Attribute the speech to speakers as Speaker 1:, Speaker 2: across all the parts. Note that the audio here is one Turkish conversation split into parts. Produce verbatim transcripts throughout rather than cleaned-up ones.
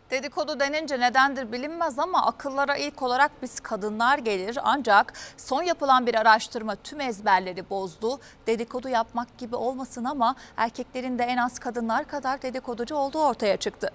Speaker 1: Dedikodu denince nedendir bilinmez ama akıllara ilk olarak biz kadınlar gelir. Ancak son yapılan bir araştırma tüm ezberleri bozdu. Dedikodu yapmak gibi olmasın ama erkeklerin de en az kadınlar kadar dedikoducu olduğu ortaya çıktı.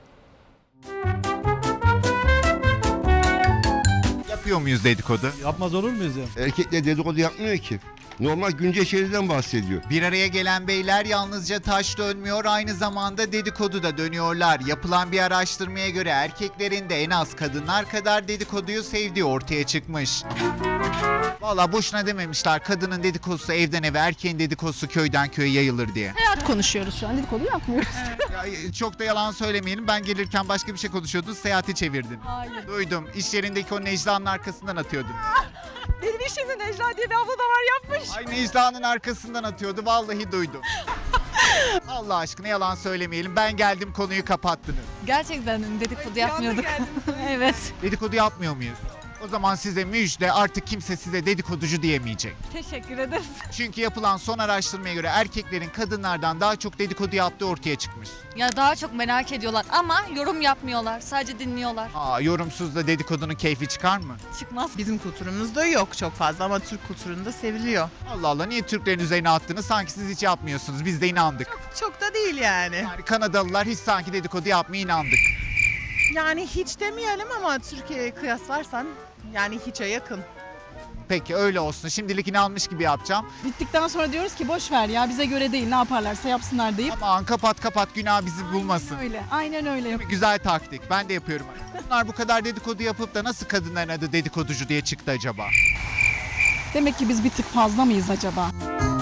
Speaker 2: Yapıyor muyuz dedikodu?
Speaker 3: Yapmaz olur muyuz ya?
Speaker 4: Erkekler dedikodu yapmıyor ki. Normal güncel şeylerden bahsediyor.
Speaker 2: Bir araya gelen beyler yalnızca taş dönmüyor, aynı zamanda dedikodu da dönüyorlar. Yapılan bir araştırmaya göre erkeklerin de en az kadınlar kadar dedikoduyu sevdiği ortaya çıkmış. Valla boşuna dememişler, kadının dedikodusu evden eve, erkeğin dedikodusu köyden köye yayılır diye.
Speaker 5: Hayat konuşuyoruz şu an, dedikodu yapmıyoruz.
Speaker 2: Ya, çok da yalan söylemeyelim, ben gelirken başka bir şey konuşuyordun, seyahati çevirdin.
Speaker 5: Hayır.
Speaker 2: Duydum, iş yerindeki o Necla'nın arkasından atıyordun.
Speaker 5: Benim işimde Necla diye bir abla da var, yapmış.
Speaker 2: Ay Necla'nın arkasından atıyordu, vallahi duydum. Allah aşkına yalan söylemeyelim, ben geldim konuyu kapattınız.
Speaker 5: Gerçekten dedikodu yapmıyorduk. Evet.
Speaker 2: Dedikodu yapmıyor muyuz? O zaman size müjde, artık kimse size dedikoducu diyemeyecek.
Speaker 5: Teşekkür ederiz.
Speaker 2: Çünkü yapılan son araştırmaya göre erkeklerin kadınlardan daha çok dedikodu yaptığı ortaya çıkmış.
Speaker 6: Ya daha çok merak ediyorlar ama yorum yapmıyorlar. Sadece dinliyorlar.
Speaker 2: Aa, yorumsuz da dedikodunun keyfi çıkar mı?
Speaker 6: Çıkmaz.
Speaker 7: Bizim kültürümüzde yok çok fazla ama Türk kültüründe seviliyor.
Speaker 2: Allah Allah, niye Türklerin üzerine attınız? Sanki siz hiç yapmıyorsunuz. Biz de inandık.
Speaker 7: Çok da değil yani.
Speaker 2: Yani Kanadalılar hiç sanki dedikodu yapmaya inandık.
Speaker 7: Yani hiç demeyelim ama Türkiye'ye kıyaslarsan yani hiçe yakın.
Speaker 2: Peki öyle olsun. Şimdilik inanmış gibi yapacağım.
Speaker 5: Bittikten sonra diyoruz ki boş ver ya, bize göre değil, ne yaparlarsa yapsınlar deyip.
Speaker 2: Aman kapat kapat, günah bizi bulmasın.
Speaker 5: Öyle, aynen öyle.
Speaker 2: Güzel taktik. Ben de yapıyorum. Bunlar bu kadar dedikodu yapıp da nasıl kadınların adı dedikoducu diye çıktı acaba?
Speaker 5: Demek ki biz bir tık fazla mıyız acaba?